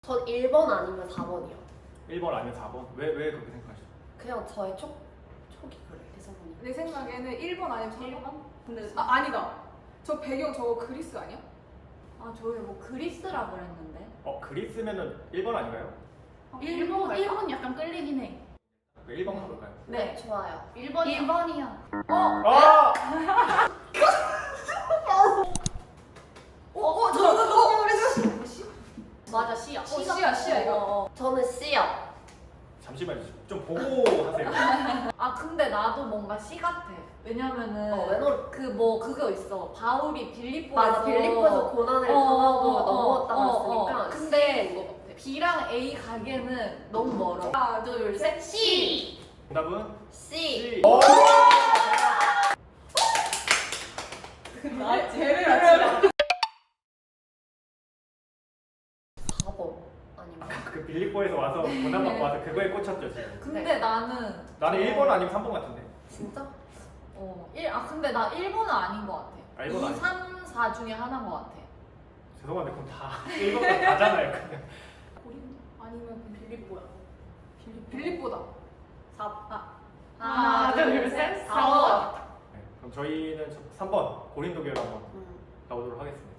전 1번 아니면 4번이요. 1번 아니면 4번? 왜 그렇게 생각하시죠? 그냥 저의 촉이 그래. 대사본이. 내 생각에는 1번 아니면 4번? 근데 아니다. 저 배경 저거 그리스 아니야? 저희 뭐 그리스라 그랬는데. 그리스면은 1번 아닌가요? 일본 약간 끌리긴 해. 1번 가볼까요? 네. 좋아요. 1번이야. 아! 저도 맞아, C야. C야, 이거. 저는 C요. 잠시만요. 좀 보고 하세요. 근데 나도 뭔가 C 같아. 왜냐면은 왜냐면 그거 있어. 바울이 빌립보에서 맞아. 빌립보에서 고난을 당하고 넘어왔다고 했으니까 근데 C인 것 같아. B랑 A 가게는 너무 멀어. 하나, 둘, 셋, C. 정답은 C. C. 쟤를 맞추라. 4번 아니면 그 빌립보에서 와서 고난받고 와서 그거에 꽂혔죠 지금. 근데 나는 나는 1번 아니면 3번 같은데. 진짜? 근데 나 1번은 아닌 것 같아. 아, 1번 2, 아니야. 3, 4 중에 하나인 것 같아. 죄송한데 그럼 다 1번은 다잖아요 그냥. 고린 아니면 빌립보야. 빌립보다. 하나, 둘, 셋, 4번. 네, 그럼 저희는 3번 고린도교를 한번 가보도록 하겠습니다.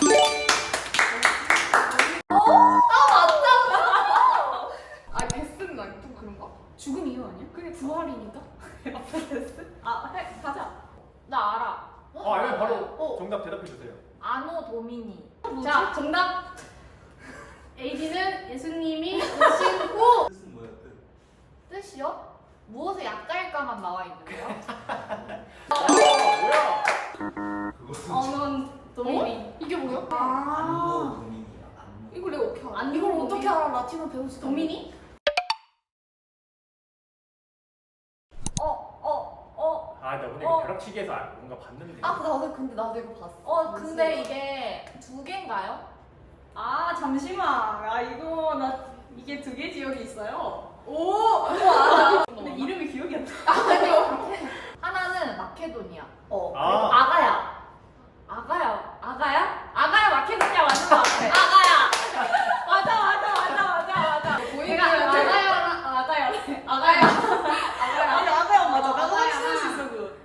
베스는 아니 좀 그런가? 죽음 이유 아니야? 그게 부활이니까? 가자. 나 알아. 아니면 바로 정답 대답해 주세요. 아노 도미니. 자, 정답. AD는 예수님이 오신 후 뜻은 뭐야 뜻? 뜻이요? 무엇에 약자일까만 나와 있는데요? 뭐야? 그거 언원 도미니. 이게 뭐야? 안모 도민이야 안모. 이걸 내가 어떻게 알아? 안 이걸 어떻게 알아? 라틴어 배우지 도미니? 나 오늘 이거 벼락치기에서 뭔가 봤는데. 근데 나도 이거 봤어. 근데 이게 두 개인가요? 아, 잠시만. 이거 나 이게 두 개 지역이 있어요. 오! 근데 이름이 기억이 안 나. 하나는 마케도니아. 아가야. 아가야 마케도니아 맞는 것 같아. 맞아. 내가 아가야. 아니, 아가야 맞아. 나도 아가야. 확실할 수 있어 그거.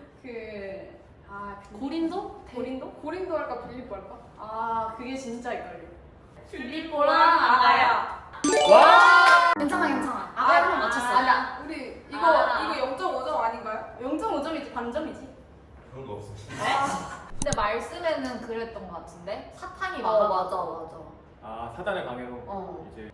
고린도? 고린도 할까 빌립보 할까? 그게 진짜 헷갈려. 빌립보랑 아가야. 와! 괜찮아. 아가야 한번 맞췄어. 아니야. 우리 이거 0.5점 아닌가요? 0.5점이지 반점이지. 그런 거 없어. 근데 말씀에는 그랬던 것 같은데 사탄이 맞아. 사단의 방해로 이제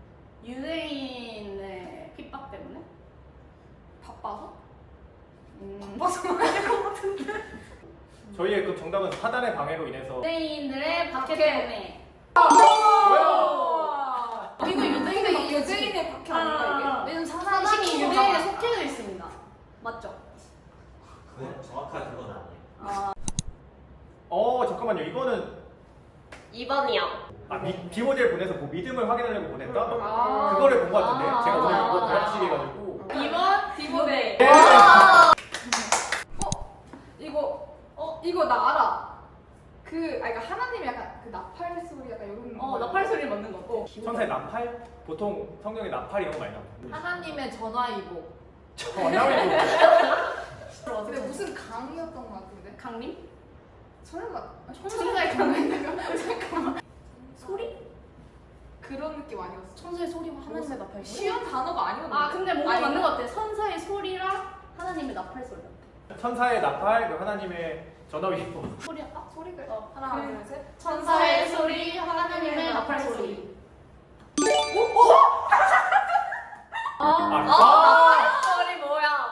유대인의 핍박 때문에? 바빠서? 바빠서 말할 것 같은데. 저희의 그 정답은 사단의 방해로 인해서. 유대인들의 박해 때문에. 뭐야? 이거 유대인의 유대인의 박해 아닌가 왜냐면 사단이 사단이 유대인에 유대인에 속해져 있습니다. 맞죠? 그건 정확한 그건 아니에요. 잠깐만요. 이거는 2번이요. 비모델 보내서 뭐 믿음을 확인하려고 보냈다? 아. 그거를 본 것 같은데. 제가 오늘 이거 벼락치기 해가지고. 2번 디모데. 이거 나 알아. 그러니까 하나님이 약간 그 나팔 소리 약간 이런 나팔 소리 맞는 거. 천사의 나팔? 보통 성경에 나팔 이런 거 많이 나오는데. 하나님의 전화위복. 전화위복. 근데 무슨 강이었던 것 같은데? 강림? 설마 천사의 강림. 잠깐만. 소리? 그런 느낌 아니었어? 천사의 소리와 하나님의 나팔 소리? 쉬운 단어가 아니었는데. 근데 뭔가 아닌가? 맞는 것 같아. 천사의 소리랑 하나님의 나팔 소리. 천사의 나팔, 그 하나님의 전화위복. 소리 할까? 소리가 하나 둘 셋. 천사의 소리, 하나님의 나팔 소리. 소리 뭐야?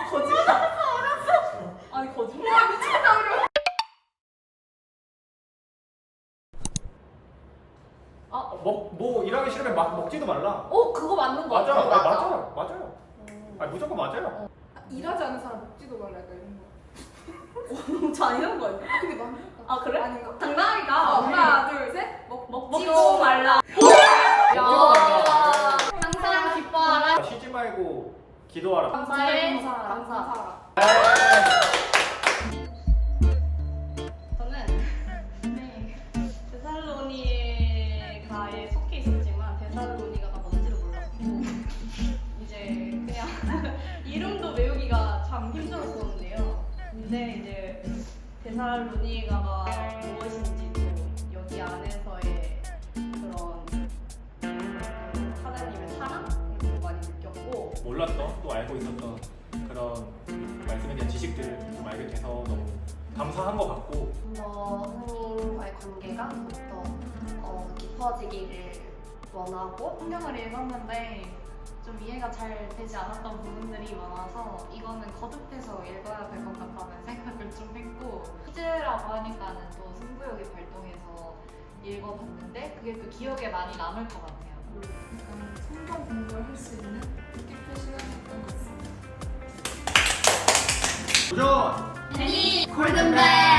아니 거짓말. 뭐 일하기 싫으면 막 먹지도 말라. 그거 맞는 거 맞아, 같아. 맞아요. 무조건 맞아요. 일하지 않은 사람 먹지도 말라 약간 이런 거. 저 아니는 거 아니야? 근데 맞나? 그래? 아닌가? 당당하니까. 하나 둘 셋. 먹지도 말라. 항상 기뻐하라. 쉬지 말고 기도하라. 감사해. 감사. 저는 데살로니가에 속해 있었지만 근데 이제 데살로니가가 무엇인지도 여기 안에서의 그런 하나님의 사랑을 좀 많이 느꼈고 몰랐던 또 알고 있었던 그런 말씀에 대한 지식들을 좀 알게 돼서 너무 감사한 것 같고 좀 더 하나님과의 관계가 더 깊어지기를 원하고 성경을 읽었는데 좀 이해가 잘 되지 않았던 부분들이 많아서 이거는 거듭해서 읽어야 될 것 같다는 생각을 좀 했고 퀴즈라고 하니까는 또 승부욕이 발동해서 읽어봤는데 그게 또 기억에 많이 남을 것 같아요. 약간 성경 공부를 할 수 있는 뜻깊은 시간이었던 것 같습니다. 도전! 골든벨!